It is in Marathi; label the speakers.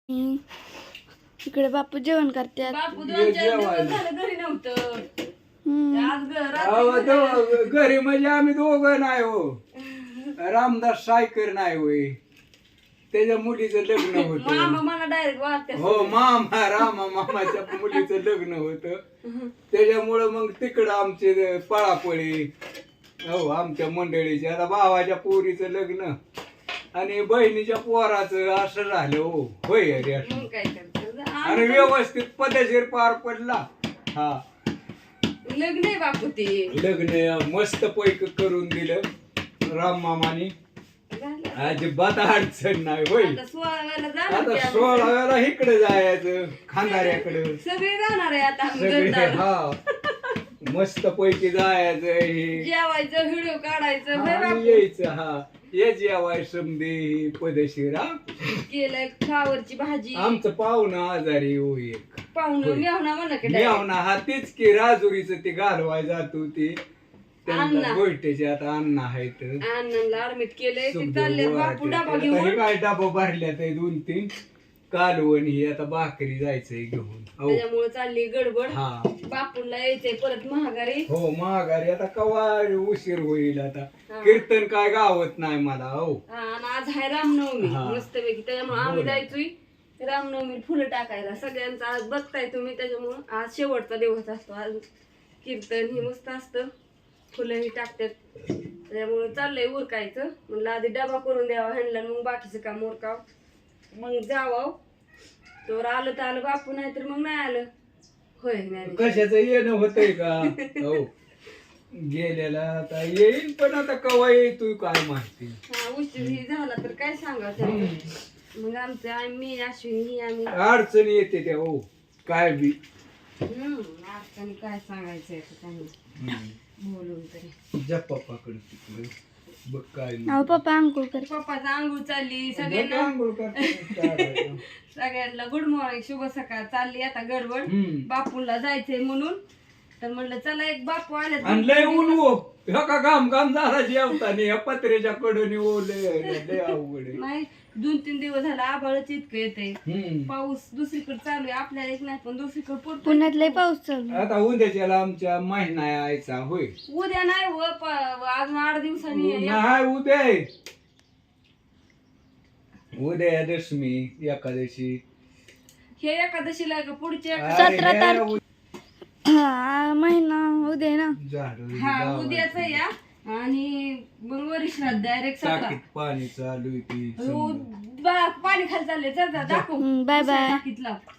Speaker 1: इकडे बापू जेवण करतात.
Speaker 2: बापू 2-4 दिवस झालं घरी नव्हतं. आज रात्री
Speaker 3: घरी म्हणजे आम्ही दोघं नाही हो. रामदास सायकर नाही होय, त्याच्या मुलीचं लग्न होतं.
Speaker 2: मामा मला डायरेक्ट वाटते.
Speaker 3: हो मामाच्या मुलीचं लग्न होतं, त्याच्यामुळं मग तिकडं आमचे पळापळी. हो आमच्या मंडळीच्या आता भावाच्या पोरीचं लग्न आणि बहिणीच्या पोराचं असं झालं हो. होय अरे
Speaker 2: मग काय करतो
Speaker 3: आणि व्यवस्थित पद्धतशीर पार पडला. हा
Speaker 2: लग्न आहे बापू ते.
Speaker 3: लग्न मस्त पैकी करून दिलं राम मामानी.
Speaker 2: झालं.
Speaker 3: अजिबात अडचण नाही होय.
Speaker 2: आता 16 वेळेला जाणार
Speaker 3: आता
Speaker 2: ते आम्ही.
Speaker 3: 16 वेळा इकडे जायचं खांदाऱ्याकडे
Speaker 2: सगळे जाणार आहे आता आम्ही
Speaker 3: सगळे.
Speaker 2: घरदार.
Speaker 3: हा मस्त पैकी जायचं हे
Speaker 2: जेवायचं व्हिडिओ काढायचं होय
Speaker 3: आणि
Speaker 2: बापू.
Speaker 3: यायचं. हा ये जेवाय समदे पदशीर. हा
Speaker 2: केलंय फ्लावरची भाजी.
Speaker 3: आमचं पाहुणं आजारी हो एक
Speaker 2: पाहुणं मेवणा म्हणा की
Speaker 3: मेवना. हा तीच की राजुरीचं ते घालवाय जात होती त्यांना
Speaker 2: अण्णा.
Speaker 3: गोष्टीचे आता अण्णा आहेत.
Speaker 2: अण्णांना ऍडमिट केलंय ते
Speaker 3: समजा
Speaker 2: चालले
Speaker 3: वर
Speaker 2: बापू
Speaker 3: ते.
Speaker 2: डबा
Speaker 3: आता हे
Speaker 2: घेऊन.
Speaker 3: काय डबा भरल्यात 2-3 कालवण ही आता भाकरी जायचंय घेऊन. हो
Speaker 2: त्याच्यामुळे चालली गडबड.
Speaker 3: हा
Speaker 2: बापूला यायचंय परत महागारी.
Speaker 3: हो माघारी आता कवा उशीर होईल आता.
Speaker 2: हा.
Speaker 3: कीर्तन काय गावत नाही मला. हो
Speaker 2: हा, आणि आज आहे रामनवमी
Speaker 3: हा.
Speaker 2: मस्तपैकी. त्याच्यामुळे आम्ही
Speaker 3: बरं.
Speaker 2: जायचोय रामनवमी फुलं टाकायला सगळ्यांचा. आज बघताय तुम्ही, त्याच्यामुळं आज शेवटचा दिवस असतो. आज कीर्तन ही मस्त असतं, फुलंही टाकतात. त्याच्यामुळे चाललंय उरकायचं. म्हणलं आधी डबा करून द्यावा ह्यांना, मग बाकीचं काम उरकाव, मग जावाव. तर आलं तर आलं बापू, नाही तर मग नाही आलं. होय नाही
Speaker 3: कशाचं येणं होतंय का. हो गेलेला आता येईल, पण आता कवा येतोय काय माहिती.
Speaker 2: हा उशीर ही झाला तर काय सांगायचं. मग आमचं मी अश्विनी ही आम्ही
Speaker 3: अडचणी येते त्या. हो काय बी
Speaker 2: अडचणी काय सांगायचं आता त्यांना बोलून तरी.
Speaker 3: जा पप्पाकडे तिकडे बघ काय नाही.
Speaker 1: अहो पप्पा अंकुळ करतात.
Speaker 2: पप्पाचं आंघोळ चालली
Speaker 3: बघ
Speaker 2: सगळ्यांना.
Speaker 3: आंघोळ करते, काय.
Speaker 2: सगळ्यांना गुड मॉर्निंग, शुभ सकाळ. चालली आता गडबड.
Speaker 3: हम्म.
Speaker 2: बापूला जायचंय म्हणून तर म्हणलं चला एक बापू आले.
Speaker 3: आणि लय ऊन हो. ह्या का घाम झाला जेवताना या पत्र्याच्या कडून ओले लय अवघड आहे.
Speaker 2: नाही 2-3 दिवस झाला आभाळच इतकं येते.
Speaker 3: हम्म.
Speaker 2: पाऊस दुसरीकडे चालू आहे, आपल्याला एक नाही पण दुसरीकडे पडतो.
Speaker 1: पुण्यात लय पाऊस चालू आहे.
Speaker 3: आता उद्याच्याला आमच्या महिना यायचा होय.
Speaker 2: उद्या नाही व अजून 8 दिवसांनी
Speaker 3: नाही उद्या आहे. उद्या दशमी एकादशी.
Speaker 2: हे एकादशीला का पुढच्या
Speaker 3: अरे
Speaker 1: 17
Speaker 3: हे
Speaker 1: तारखे. हा महिना उद्या आहे ना.
Speaker 3: झाडं
Speaker 2: हा
Speaker 3: लावायची.
Speaker 2: उद्याच या. आणि मग वरिष्ठात डायरेक्ट 17.
Speaker 3: टाकीत पाणी चालू आहे ती
Speaker 2: हो,
Speaker 3: समजा.
Speaker 2: पाणी खाली चालले. जा दाखव.
Speaker 1: Bye bye.
Speaker 2: टाकीत लाव.